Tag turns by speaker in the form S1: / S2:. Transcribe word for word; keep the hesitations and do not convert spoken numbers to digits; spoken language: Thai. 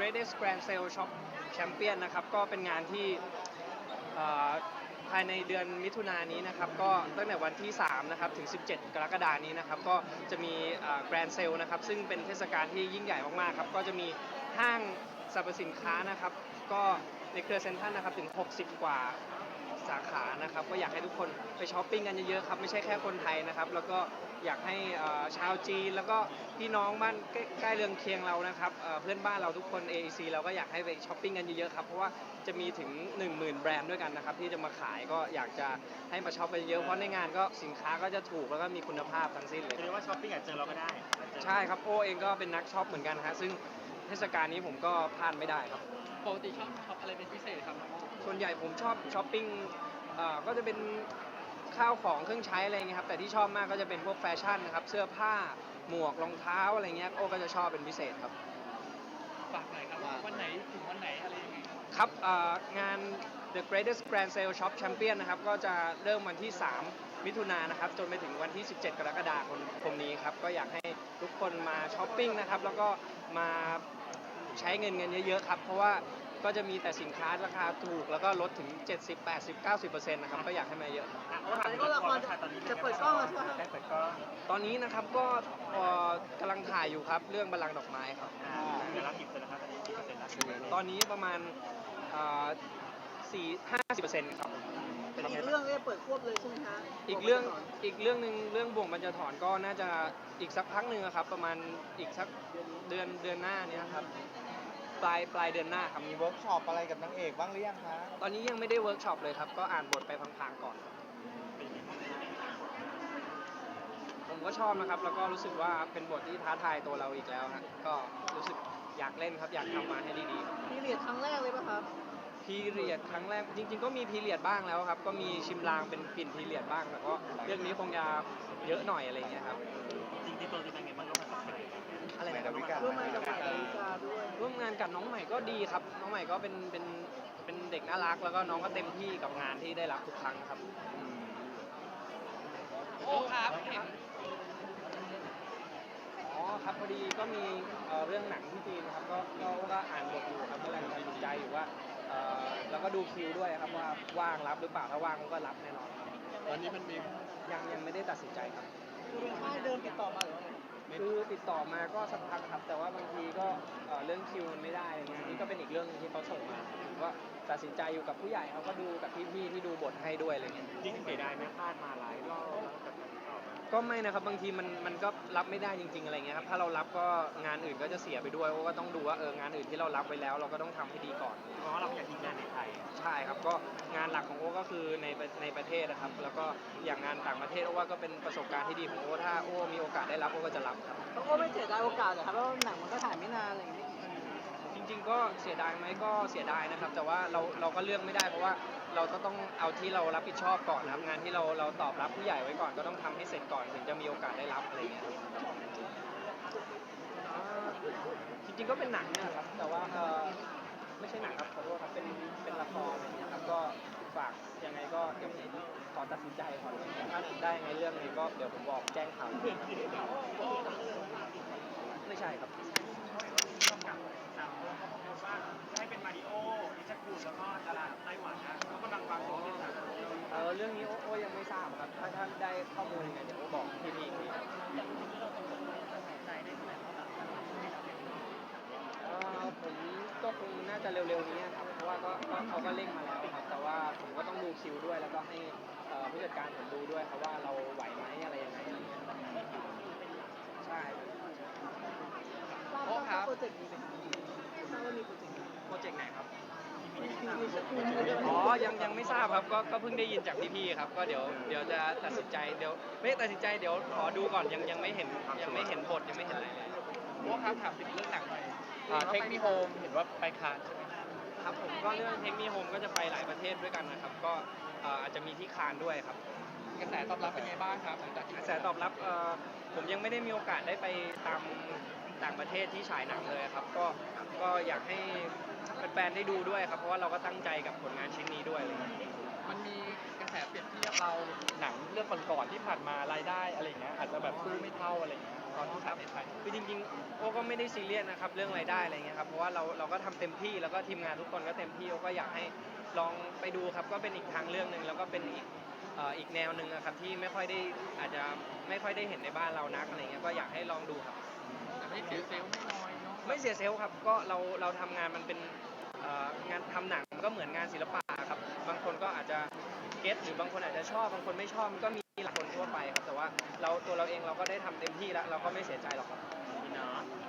S1: Greatest Grand Sale Shop Champion นะครับก็เป็นงานที่ภายในเดือนมิถุนายนนี้นะครับก็ตั้งแต่วันที่สามนะครับถึงสิบเจ็ดกรกฎาคมนี้นะครับก็จะมี Grand Sale นะครับซึ่งเป็นเทศกาลที่ยิ่งใหญ่มากๆครับก็จะมีห้างสรรพสินค้านะครับก็ในเครือเซ็นทรัลนะครับถึงหกสิบกว่าสาขานะครับก็อยากให้ทุกคนไปช้อปปิ้งกันเยอะๆครับไม่ใช่แค่คนไทยนะครับแล้วก็อยากให้ชาวจีนแล้วก็พี่น้องบ้านใกล้เรือนเคียงเรานะครับเพื่อนบ้านเราทุกคน เอ อี ซี เราก็อยากให้ไปช้อปปิ้งกันเยอะๆครับเพราะว่าจะมีถึง หนึ่งหมื่น แบรนด์ด้วยกันนะครับที่จะมาขายก็อยากจะให้มาช็อปกันเยอะเพราะในงานก็สินค้าก็จะถูกแล้วก็มีคุณภาพทั้งสิ้นเลย
S2: คือว่าช้อปปิ้งอาจเจอเราก็ได้
S1: ใช่ครับโอเองก็เป็นนักช็อปเหมือนกันฮะซึ่งเทศกาลนี้ผมก็พลาดไม่ได้ครับ
S3: ปกติชอบช็อปอะไรเป็นพิเศษครับ
S1: ส่วนใหญ่ผมชอบช้อปปิ้งก็จะเป็นข้าวของเครื่องใช้อะไรเงี้ยครับแต่ที่ชอบมากก็จะเป็นพวกแฟชั่นนะครับเสื้อผ้าหมวกรองเท้าอะไรเงี้ยโอ้ก็จะชอบเป็นพิเศษครับ
S3: ฝากหน่อยครับว่าวันไหนถึงวันไหนอะไรยังไง
S1: ครับงาน The Greatest Grand Sale Shop Champion นะครับก็จะเริ่มวันที่สามมิถุนายนนะครับจนไปถึงวันที่สิบเจ็ดกรกฎาคมนี้ครับก็อยากให้ทุกคนมาช้อปปิ้งนะครับแล้วก็มาใช้เงินเงินเยอะๆครับเพราะว่าก็จะมีแต่สินค้าราคาถูกแล้วก็ลดถึงเจ็ดสิบ แปดสิบ เก้าสิบเปอร์เซ็นต์ นะครับก็อยากให้มาเยอะ
S2: ตอนนี้ก็ละครจะเปิดกล้องแล้วใช่ไหมครับเปิดกล้อง
S1: ตอนนี้นะครับก็กำลังถ่ายอยู่ครับเรื่องบัลลังก์ดอกไม้ครับ
S2: เวลากี่เปอร์เซ็นต์นะครับตอนนี้กี่เปอร์เซ็นต์แล้ว
S1: ตอนนี้ประมาณสี่ห้าสิบเปอร์เซ็นต์ครับ
S4: อีกเรื่องเนี่ยเปิดควบเลยใช่ไหมคะ
S1: อีกเรื่องอีกเรื่องหนึ่งเรื่องบ่วงบรรจถอนก็น่าจะอีกสักพักหนึ่งครับประมาณอีกสักเดือนเดือนหน้านี้ครับปลายปลายเดือนหน้าครับ
S5: มีเวิร์กช็อปอะไรกับนางเอกบ้างหรือยังคะ
S1: ตอนนี้ยังไม่ได้เวิร์กช็อปเลยครับก็อ่านบทไปพังๆก่อนผมก็ชอบนะครับแล้วก็รู้สึกว่าเป็นบทที่ท้าทายตัวเราอีกแล้วฮะก็รู้สึกอยากเล่นครับอยากทำมาให้ดี
S4: ๆพีเรียดครั้งแรกเลยป่ะครับ
S1: พีเรียดครั้งแรกจริงๆก็มีพีเรียดบ้างแล้วครับก็มีชิมลางเป็นปิ่นพีเรียดบ้างแต่ก็เรื่องนี้คงจะเยอะหน่อยอะไรเงี้ยครับ
S2: จริงๆตัวเป็นไงบ้างร่วมงานกับใคร
S1: อะไรนะ
S4: ร่วมงานกับใครด้วย
S1: ร่วมงานกับน้องใหม่ก็ดีครับน้องใหม่ก็เป็นเป็นเป็นเด็กน่ารักแล้วก็น้องก็เต็มที่กับงานที่ได้รับทุกครั้งครับ
S3: โอ้ครับเห็น
S1: อ๋อครับพอดีก็มีเรื่องหนังที่จีนนะครับก็ก็อ่านบทอยู่ครับกำลังตัดสินใจอยู่ว่าแล้วก็ดูคิวด้วยครับว่าว่างรับหรือเปล่าถ้าว่างก็รับแน่นอนครับ
S3: ตอนนี้มันมี
S1: ยังยังไม่ได้ตัดสินใจครับ
S4: คือเป็นค่ายเดิมติดต่อมาหรือว่า
S1: คือติดต่อมาก็สักพักครับแต่ว่าบางทีก็เรื่องคิวมันไม่ได้อะไรเงี้ยนี่ก็เป็นอีกเรื่องนึงที่เขาส่งมาผมก็ตัดสินใจอยู่กับผู้ใหญ่เขาก็ดูกับพี่ๆที่ดูบทให้ด้วยอะไรเงี้ย
S2: จริงเสียดายไหมพลาดมาหลายรอบแล้วกับ
S1: ก็ไม่นะครับบางทีมันมันก็รับไม่ได้จริงๆอะไรเงี้ยครับถ้าเรารับก็งานอื่นก็จะเสียไปด้วยก็ต้องดูว่าเอองานอื่นที่เรารับไปแล้วเราก็ต้องทำให้ดีก่อน
S2: เพราะเราอยากทิ้งงานในไทย
S1: ใช่ครับก็งานหลักของโอ้ก็คือในในประเทศนะครับแล้วก็อย่างงานต่างประเทศโอ้ว่าก็เป็นประสบการณ์ที่ดีของโอ้ถ้าโอ้มีโอกาสได้รับโอ้ก็จะรับครับ
S4: โอ้ไม่เสียดายโอกาสเหรอครับเพราะหนังมันก็ถ่ายไม่นานอะไรอย่างเงี้ย
S1: จริงๆก็เสียดายไหมก็เสียดายนะครับแต่ว่าเราเราก็เลือกไม่ได้เพราะว่าเราก็ต้องเอาที่เรารับผิดชอบก่อนนะครับงานที่เราเราตอบรับผู้ใหญ่ไว้ก่อนก็ต้องทำให้เสร็จก่อนถึงจะมีโอกาสได้รับอะไรเงี้ยจริงๆก็เป็นหนังนะครับแต่ว่าเออไม่ใช่หนังครับขอโทษครับเป็นเป็นละครอะไรเงี้ยครับก็ฝากยังไงก็เดี๋ยวผมขอตัดสินใจก่อนถ้าได้ยังไงเรื่องนี้ก็เดี๋ยวผมบอกแจ้งข่าวไม่ใช่ครับ
S2: ให้เป็นมาริโอนิชคุณแล้วก็ดาราไต้หวันนะเขากำลังวางตัวที่สาม
S1: เออเรื่องนี้โอ้ยังไม่ทราบครับถ้าท่านได้ข้อมูลยังไงเดี๋ยวโอ้บอกพี่พี่อีกเออผมก็คงน่าจะเร็วๆนี้ครับเพราะว่าก็เขาก็เร่งมาแล้วครับแต่ว่าผมก็ต้องดูคิวด้วยแล้วก็ให้ผู้จัดการผมดูด้วยครับว่าเราไหวไหมอะไรยังไงใช่
S4: โอ้ครับโปรเจกต์นี้เป็นทราบว่ามีโปรเจกต์
S1: โปรเจกต์ไหนครับอ๋อยังยังไม่ทราบครับก็ก็เพิ่งได้ยินจากพี่ๆครับก็เดี๋ยวเดี๋ยวจะตัดสินใจเดี๋ยวไม่ตัดสินใจเดี๋ยวขอดูก่อนยังยังไม่เห็นยังไม่เห็นบทยังไม่เห็นอะไรเลย
S3: โอ้ครับถามถึงเรื่องหนังหน่อยเทคนิคโฮมเห็นว่าไปคานใช่ไหม
S1: ครับผมก็เรื่องเทคนิคโฮมก็จะไปหลายประเทศด้วยกันนะครับก็อาจจะมีที่คานด้วยครับ
S3: กระแสตอบรับเป็นไงบ้างครับ
S1: กระแสตอบรับผมยังไม่ได้มีโอกาสได้ไปตามต่างประเทศที่ฉายหนังเลยครับก็ก็อยากให้แฟนๆได้ดูด้วยครับเพราะว่าเราก็ตั้งใจกับผลงานชิ้นนี้ด้วยเลย
S3: มันมีกระแสเปรียบเทียบเราหนังเรื่องก่อนๆที่ผ่านมารายได้อะไรเงี้ยอาจจะแบบสู้ไม่เท่าอะไรเงี้ย
S1: ขอบคุณครับคือจริงๆโอ้ก็ไม่ได้ซีเรียสนะครับเรื่องรายได้อะไรเงี้ยครับเพราะว่าเราเราก็ทำเต็มที่แล้วก็ทีมงานทุกคนก็เต็มที่โอ้ก็อยากให้ลองไปดูครับก็เป็นอีกทางเรื่องหนึ่งแล้วก็เป็นอีกเอ่ออีกแนวหนึ่งอะครับที่ไม่ค่อยได้อาจจะไม่ค่อยได้เห็นในบ้านเรานักอะไรเงี้ยก็อยากให้ลองดูครับ
S3: แต่ไม่เสียเซลล์ไม่น้อยเนาะ
S1: ไม่เสียเซลล์ครับก็เราเราทำงานมันเป็นเอ่องานทำหนังมันก็เหมือนงานศิลปะครับบางคนก็อาจจะเก็ตหรือบางคนอาจจะชอบบางคนไม่ชอบมันก็มีหลายคนทั่วไปครับแต่ว่าเราตัวเราเองเราก็ได้ทำเต็มที่แล้วเราก็ไม่เสียใจหรอกครับ
S3: เนาะ